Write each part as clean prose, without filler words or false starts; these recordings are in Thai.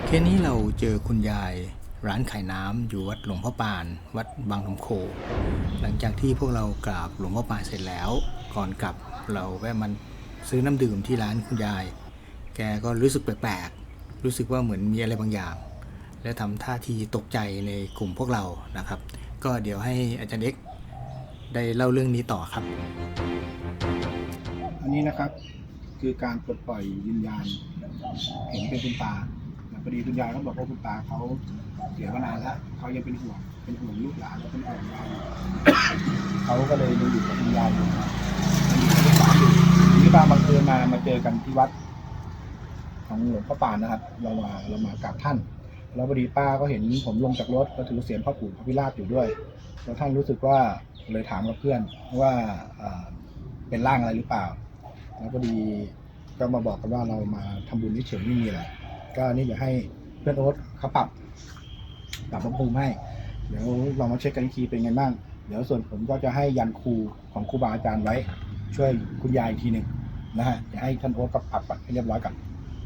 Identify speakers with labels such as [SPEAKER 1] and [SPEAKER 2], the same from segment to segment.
[SPEAKER 1] เคสนี้เราเจอคุณยายร้านขายน้ำอยู่วัดหลวงพ่อปานวัดบางลำโคหลังจากที่พวกเรากราบหลวงพ่อปานเสร็จแล้วก่อนกลับเราแวะมันซื้อน้ำดื่มที่ร้านคุณยายแกก็รู้สึกแปลกๆรู้สึกว่าเหมือนมีอะไรบางอย่างและทำท่าทีตกใจในกลุ่มพวกเรานะครับก็เดี๋ยวให้อาจารย์เอกได้เล่าเรื่องนี้ต่อครับ
[SPEAKER 2] อันนี้นะครับคือการปลดปล่อยวิญญาณเห็นเป็นคุณตาพอดีคุณยายเขาบอกว่าคุณตาเขาเสียมานานแล้วเขายังเป็นห่วงลูกหลานแล้วเป็นห่วงเราเขาก็เลยยังอยู่กับวิญญาณอยู่ที่บ้านบังเอิญมาเจอกันที่วัดของหลวงพ่อปานนะครับเรามากราบท่านแล้วพอดีป้าก็เห็นผมลงจากรถก็ถือเสียงพ่อปู่พระพิราบอยู่ด้วยแล้วท่านรู้สึกว่าเลยถามกับเพื่อนว่าเป็นร่างอะไรหรือเปล่าแล้วพอดีก็มาบอกกันว่าเรามาทำบุญเฉยๆไม่มีอะไรก็นี่เดี๋ยวให้เพื่อนโอ๊ตเขาปรับพระภูมิให้เดี๋ยวเรามาเช็คกันอีกทีเป็นไงบ้างเดี๋ยวส่วนผมก็จะให้ยันครูของครูบาอาจารย์ไว้ช่วยคุณยายอีกทีหนึ่งนะฮะจะให้ท่านโอ๊ตก็ปรับก่อนให้เรียบร้อยก่อน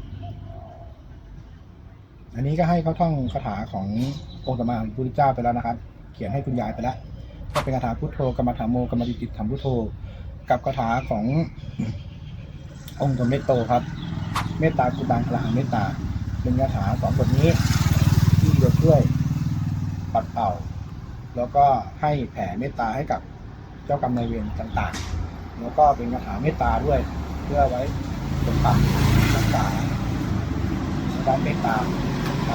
[SPEAKER 2] อันนี้ก็ให้เขาท่องคาถาขององค์สมมาพระพุทธเจ้าไปแล้วนะครับเขียนให้คุณยายไปแล้วก็เป็นคาถาพุทโธกรรมฐานโมกรรมติถัมพุทโธกับคาถาขององค์สมเด็จโตครับเมตตากุบาลพลังเมตตาเป็นคาถาสองบทนี้ที่จะช่วยปัดเป่าแล้วก็ให้แผ่เมตตาให้กับเจ้ากรรมนายเวรต่างๆแล้วก็เป็นคาถาเมตตาด้วยเพื่อไว้ปกปักรักษาด้านเมตตาครับ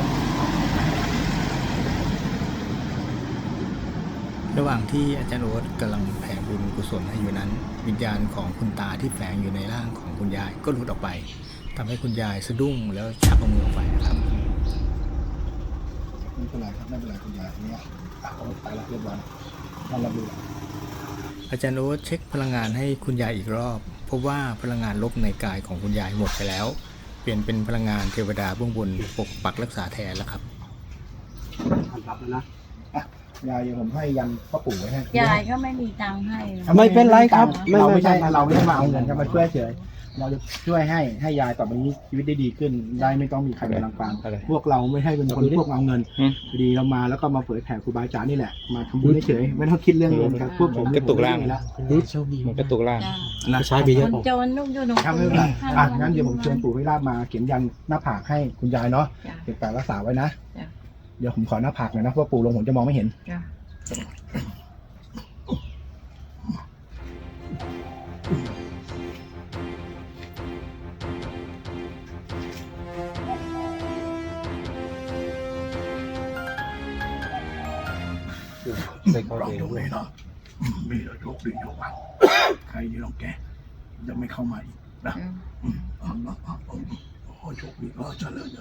[SPEAKER 1] ระหว่างที่อาจารย์โอ๊ตกำลังแผ่บุญกุศลให้อยู่นั้นวิญญาณของคุณตาที่แฝงอยู่ในร่างของคุณยายก็หลุดออกไปทำให้คุณยายสะดุ้งแล้วชักเอามือออกไปครับ
[SPEAKER 2] ไม่เป็นไรครับไม่เป็นไรคุณยายเนี่ยตายแล้วเรียบร้อยนั่นเราดู
[SPEAKER 1] อาจารย์โอ๊ตเช็คพลังงานให้คุณยายอีกรอบพบว่าพลังงานลบในกายของคุณยายหมดไปแล้วเปลี่ยนเป็นพลังงานเทวดาเบื้องบนปกปักรักษาแทนแล้วครับ
[SPEAKER 2] รับแล้วนะยายผมให้ยันพ่อปู่ไว้ให้
[SPEAKER 3] ยายก็ไม่มีตังค์ให้
[SPEAKER 2] ไม่เป็นไรครับเราไม่ใช่เราไม่ได้มาเอาเงินครับมาช่วยเฉยเราจะช่วยให้ยายต่อไปนี้ชีวิตได้ดีขึ้นได้ไม่ต้องมีใครมารังควานพวกเราไม่ให้เป็นคนพวกเอาเงินดีเรามาแล้วก็มาเผยแผ่ครูบาอาจารย์นี่แหละมาทำบุญเฉยไม่ต้องคิดเรื่องเงินครับพวกผม
[SPEAKER 1] กระตุกล่างแล้วมันกระตุกล่าง
[SPEAKER 3] นะใช้ไปเยอะโจรลูกโยน
[SPEAKER 2] ครับไม่เป็นไรงั้นเดี๋ยวผมเชิญปู่พิราบมาเขียนยันหน้าผากให้คุณยายเนาะเก็บรักษาไว้นะเดี๋ยวผมขอหน้าผากหน่อยนะเพราะปู่ลงผมจะมองไม่เห็น
[SPEAKER 4] ไปเข้าเองด้วยเนาะมีแต่โชคดีโชคดีใครที่ลองแกจะไม่เข้ามาอีกนะโอ้โชคดีก็เจริญ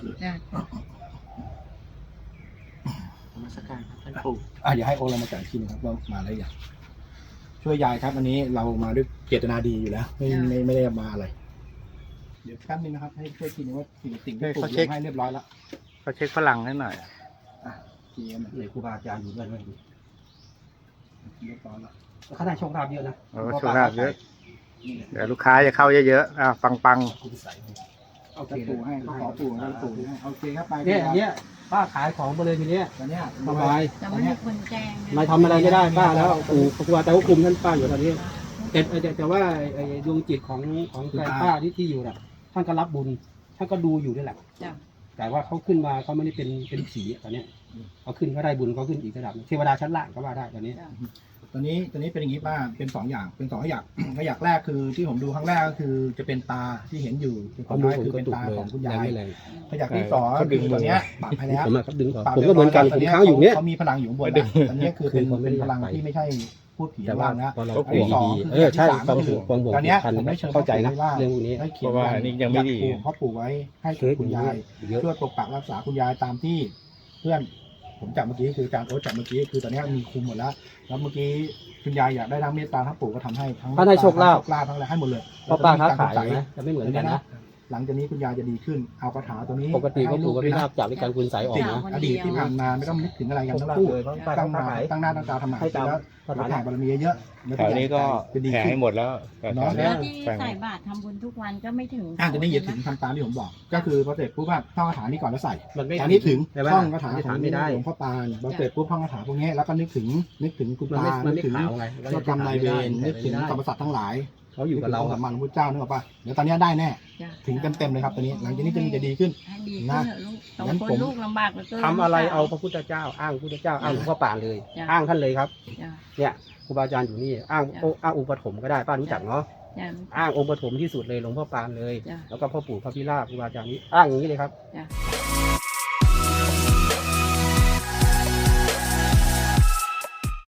[SPEAKER 2] มาสักการท่านปู่อย่าให้องค์เรามาจัดทีนะครับว่ามาอะไรอย่างช่วยยายครับอันนี้เรามาด้วยเจตนาดีอยู่แล้วไม่ได้มาอะไรเดี๋ยวแป๊บนึงนะครับให้ช่วยทีนึงว่าสิ่งที่ปู่ให้เรียบร้อยแล้ว
[SPEAKER 1] เขาเช็คพลังให้หน่อย
[SPEAKER 2] ทีนี้เลยครูบาอาจารย์อยู่ด้วยเรียบร้อยแล้ว
[SPEAKER 5] เขาได้โชคลาภเยอะนะ
[SPEAKER 1] โชคลาภเยอะเดี๋ยวลูกค้าจะเข้าเยอะๆปัง
[SPEAKER 2] โอเคปู่ให้ขอปู่ให้ปู่ให้โอเคครับไป
[SPEAKER 5] เนี่ยป้าขายของไปเลยทีเนี้ย
[SPEAKER 2] ตอนนี้
[SPEAKER 5] สบาย
[SPEAKER 3] จะไม่มีคนแจ้ง
[SPEAKER 5] ไม่ทำอะไรไม่ได้ป้าแล้วปู่ครูบาแต่ว่าคุมท่านป้าอยู่ตอนนี้แต่ว่าดวงจิตของแฟนป้าที่อยู่น่ะท่านก็รับบุญท่านก็ดูอยู่ด้วยแหละแต่ว่าเขาขึ้นมาเขาไม่ได้เป็นผีตอนนี้เขาขึ้นก็ได้บุญเขาขึ้นอีกระดับเทวดาชั้นล่างก็ว่าได้ตอนนี้
[SPEAKER 2] เป็นอย่างนี้ป้าเป็น2 อย่างเป็น2 อย่างขยักแรกคือที่ผมดูครั้งแรกก็คือจะเป็นตาที่เห็นอยู่คนท้ายคือเป็นตาของคุณยายขยักที่2คือตัวเนี้ยปรับไปแล้ว
[SPEAKER 5] ผมก็เหมือนกันผมค้างอยู่เนี้ย
[SPEAKER 2] เขามีพลังอยู่บนอันนี้คือเป็นพลังที่ไม่ใช่พูดผีบ้างนะ
[SPEAKER 5] อันที่2ใช่ความห่วง
[SPEAKER 2] ตอนนี้ผมไม่เชิญ
[SPEAKER 5] เข้าใจนะเรื่องนี้
[SPEAKER 2] เพราะว่านี่ยังไม่ดีพ่อปู่ไว้ให้คุณยายช่วยปกปักรักษาคุณยายตามที่เพื่อนผมจับเมื่อกี้คือการโอ๊ตจับเมื่อกี้คือตอนนี้มีคุมหมดแล้วเมื่อกี้คุณยายอยากได้ทั้งเมตตาทั้งปู่ก็ทำให้ทั้ง
[SPEAKER 5] ให้โชคลาภ
[SPEAKER 2] ทั้งอะไรให้หมดเลย
[SPEAKER 5] เพราะป้าค้าขายนะจะไม่เหมือนกันนะ
[SPEAKER 2] หลังจากนี้คุณยายจะดีขึ้นเอาคาถาตัวนี้
[SPEAKER 5] ปกติก็ปู่พระพิราบจับด้วยการคุณใสออก
[SPEAKER 2] สิ่ง
[SPEAKER 5] นะ
[SPEAKER 2] อดีตที่ผ่านมาไม่ต้องนึกถึงอะไรกันทั้งคู่
[SPEAKER 5] เลยเพราะป้า
[SPEAKER 2] ตั้ง
[SPEAKER 5] ป้า
[SPEAKER 2] มา
[SPEAKER 5] ขาย
[SPEAKER 2] ตั้งหน้าตั้งตาทำหมัน
[SPEAKER 5] ให้ตาม
[SPEAKER 2] แล้ว
[SPEAKER 5] สถานะ
[SPEAKER 2] แผ่บารมีเยอะๆแล้ว
[SPEAKER 6] แถวนี้ก็
[SPEAKER 2] จะดี
[SPEAKER 6] แผ่
[SPEAKER 2] ขึ้น
[SPEAKER 6] ให้หมดแล้วแต่แถว
[SPEAKER 2] เน
[SPEAKER 6] เนี้
[SPEAKER 2] อะ
[SPEAKER 3] แล้ว
[SPEAKER 6] ย
[SPEAKER 3] ที่
[SPEAKER 6] แผ่
[SPEAKER 3] ใส่บาตรทำบุญทุกวันก็ไม่ถึง
[SPEAKER 2] จะนี่อย่าถึงทำตามที่ผมบอก ก็คือพอเสร็จปุ๊บว่าท่องคาถานี้ก่อนแล้วใส่
[SPEAKER 5] มันไม่
[SPEAKER 2] แต่นี่ถึง
[SPEAKER 5] ใช่ไหม
[SPEAKER 2] ท่องคาถาของ
[SPEAKER 5] ไม่ได้
[SPEAKER 2] หลวงพ่อปานพอเสร็จปุ๊บท่องคาถาพวกนี้แล้วก็นึกถึงคุณ
[SPEAKER 5] มัน
[SPEAKER 2] ตา
[SPEAKER 5] ไม่มัน
[SPEAKER 2] นึก
[SPEAKER 5] ไม่
[SPEAKER 2] ถึง
[SPEAKER 5] ขาวไง
[SPEAKER 2] เจ้ากรรมนายเวรนึกถึงสรรพสัตว์ทั้งหลาย
[SPEAKER 5] เขาอยู่กับเรา
[SPEAKER 2] นึถึงองค์สัมมาสัมพุทธเจ้านึกออกปะเดี๋ยวตอนนี้ได้แน่
[SPEAKER 3] จ้ะ
[SPEAKER 2] ถึงเต็มๆเลยครับตอนนี้หลังจากนี้จะดีขึ้น
[SPEAKER 3] ให้ดีขึ้น
[SPEAKER 2] นะ
[SPEAKER 3] เถอะลูกสอง
[SPEAKER 2] งั้น
[SPEAKER 3] คน
[SPEAKER 2] ผม
[SPEAKER 3] ลูกลำบากเหลือเกิน
[SPEAKER 5] ทำอะไรเอาพระพุทธเจ้า อ้างพระพุทธเจ้าอ้างหลวงพ่อปานเลย
[SPEAKER 3] จ้ะ
[SPEAKER 5] อ้างท่านเลยครับ
[SPEAKER 3] จ้ะ
[SPEAKER 5] เนี่ยครูบาอาจารย์อยู่นี่อ้าง
[SPEAKER 3] จ้ะ
[SPEAKER 5] อ้างองค์ปฐมก็ได้ป้ารู้จักเนาะ
[SPEAKER 3] จ้ะ
[SPEAKER 5] อ้างองค์ปฐมที่สุดเลยหลวงพ่อปานเลย
[SPEAKER 3] จ้ะ
[SPEAKER 5] แล้วก็พ่อปู่พระพิราบครูบาอาจารย์นี้อ้างอย่างนี้เลยครับ
[SPEAKER 3] จ้ะ